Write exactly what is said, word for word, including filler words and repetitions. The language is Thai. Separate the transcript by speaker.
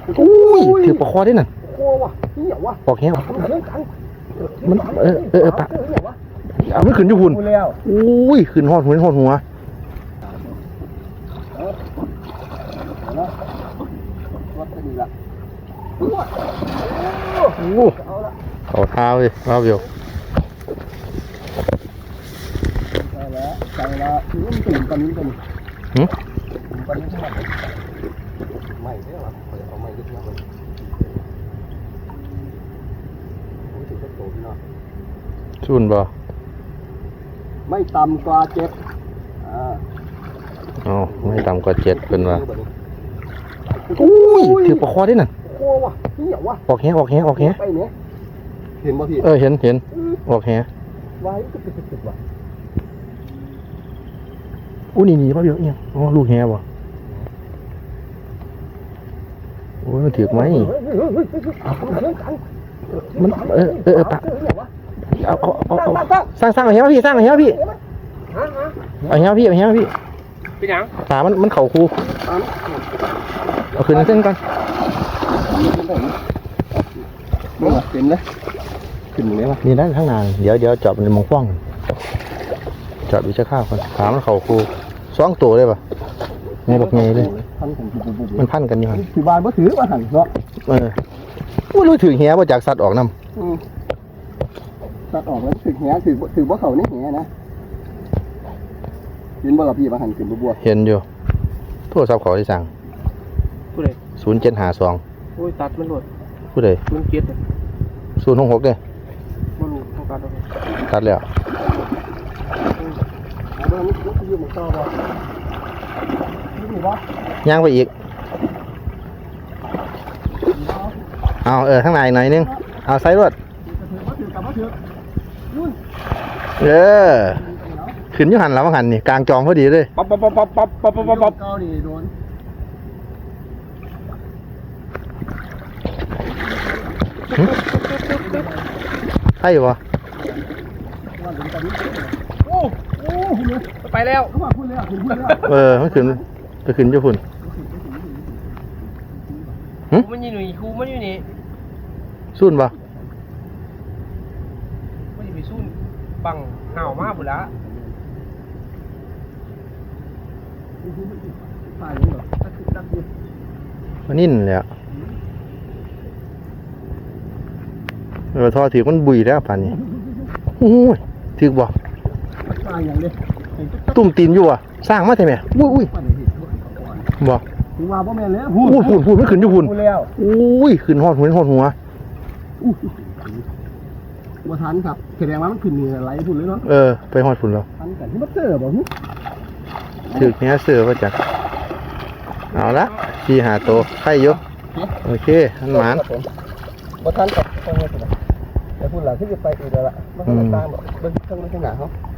Speaker 1: อุ้ยถือปลาคอได้น่ะ
Speaker 2: กลัววะเหี้ยวะ
Speaker 1: ปอกแห้ง
Speaker 2: มันเรื่องกัน
Speaker 1: มันเออเออเออปะเอามันขึ้นอยู่หุ่นอุ้ยขึ้นหอดหัวหอดหัวโอ้เอาเท้าเลยเอาเดียว
Speaker 2: ใช่แล้วใช่แล้วคือมันตื่นตอนนี้เป็น
Speaker 1: หืม
Speaker 2: ตอนนี้ใช่ไหมไม่ใช่หรอเปิดเอาไม่ยึดนะเลยโอ้ยถึงจะโตพี่น้อง
Speaker 1: ชุนบ่
Speaker 2: ไม่ต่ำกว่าเจ็ดอ่า
Speaker 1: อ๋อไม่ต่ำกว่าเจ็ดเป็นว่าอุ้ยถือปลาคอได้น่ะ
Speaker 2: กลัววะเหี้ยววะ
Speaker 1: ออกแห้งออกแห้งออกแห้ง
Speaker 2: ไปเนี้ยเห็นป่ะพี่
Speaker 1: เออเห็นเห็นออกแห้ง
Speaker 2: ไว้ตึ๊ดตึ๊ดตึ๊ดวะ
Speaker 1: อู้นี่นี่ป่ะเยอะเนี่ยอ๋อลูกแห้งบ่โอ้ยมันถือไหมมันเออเออเออปะเอาเอาเอาเอาสร้างสร้างเอาแห้งพี่สร้างเอาแห้งพี่เอาแห้งพี่เอาแห้งพี่
Speaker 2: เป็นยัง
Speaker 1: ตามันมันเข่าคูเอาขึ้นเส้นก่อน
Speaker 2: เป็นเลยขึ้นเลยวะ
Speaker 1: นี่ได้ข้างหน้าเดี๋ยวเดี๋ยวจอดในมองฟ้องจอดวิชาข้าวก่อนขามันเข่าคูสองตัวเลยป่ะไงบอกไงเลย
Speaker 2: พันของปุ๊บปุ๊บปุ๊บ
Speaker 1: มันพันกันอยู่หัน
Speaker 2: ถือบานบ่ถือว่าหันเนาะ
Speaker 1: เอออู้รู้ถือเหี้ยว่าจากสัตว์ออกน้
Speaker 2: อืมตัดออกแล้วถือแหถือถือบ่เขานี่แหนะยินบ่ล่ะพี่มาหันขึ้นบัว
Speaker 1: ำเห็นอยู่โทรศัพท์เขาที่สั่ง
Speaker 3: ผู้ใด
Speaker 1: ศูนย์เจ็ดหาสอง
Speaker 3: โอ้ยตัดมันหลด
Speaker 1: ผู้ใด
Speaker 3: มันเกลียดเลย
Speaker 1: ศูนย์หกหกเด้
Speaker 3: มาลูต้องการอะไร
Speaker 1: ตัดแล้ว
Speaker 2: เอาเรื่องนี้ก็ยืมมาต่อบ่ยืมบ่
Speaker 1: ย่างไปอีกเอาเออข้างในหน่อยนึงเอาไซส์รวด
Speaker 2: บ่ถือกับบ่ถือยุ่น
Speaker 1: เออขึ้นอยุหันแล้วหันนี่กลางจองพอดีเลย
Speaker 3: ป๊อปป๊อปป๊อปป๊อปป๊อปป๊อปป๊อปป๊อป
Speaker 2: เกานี่โดน
Speaker 1: ใช่ปะ
Speaker 2: โอ้โอ้คุณเนี่ย
Speaker 3: ไปแล้ว
Speaker 2: เขามาพูดเลยอ่ะคุณพูดเลย
Speaker 1: เออมันขึ้นไปขึ้นเจ้าฝุ่น
Speaker 3: ครูมันอยู่นี่ครูมันอยู่นี่
Speaker 1: สุ่นปะ
Speaker 3: มันจะไปสู้บังห่าวมากบุละ
Speaker 2: ตายยังเหรอตัดตัดดิ
Speaker 1: มันนิ่นเลยอ่ะเออทอถือมันบุยแล้วป่านนี้โอ้ยถือบ่
Speaker 2: ตายอย่างเดียว
Speaker 1: ตุ่มตีนอยู่อ่ะสร้างมาใช่ไหมอุ้ยอุ้ยบ่
Speaker 2: ถึงว่าพ่อแม่แล้ว
Speaker 1: พูดพูดพูดไม่ขึ้นอยู่พุ่น
Speaker 2: พูดแล้ว
Speaker 1: อุ้ยขึ้นหอดหัวหอดหัว
Speaker 2: ว่าทันครับแสดงว่ามันขึ้นเหนือไหลพุ่นเลยเนาะ
Speaker 1: เออไปหอดฝุ่นแล้ว
Speaker 2: ทันกันที่มันเจอบ่ฮึ
Speaker 1: ถือเนี้ยเสือมาจากเอาละที่หาโตไข่ยกโอเคอันหมาน
Speaker 2: ว่าทันกับตรงนี้สิแต่พูดหลังที่จะไปอีกแล้วล่ะมันก็ตามแบบเบิ้งเครื่องเบิ้งขนาดเขา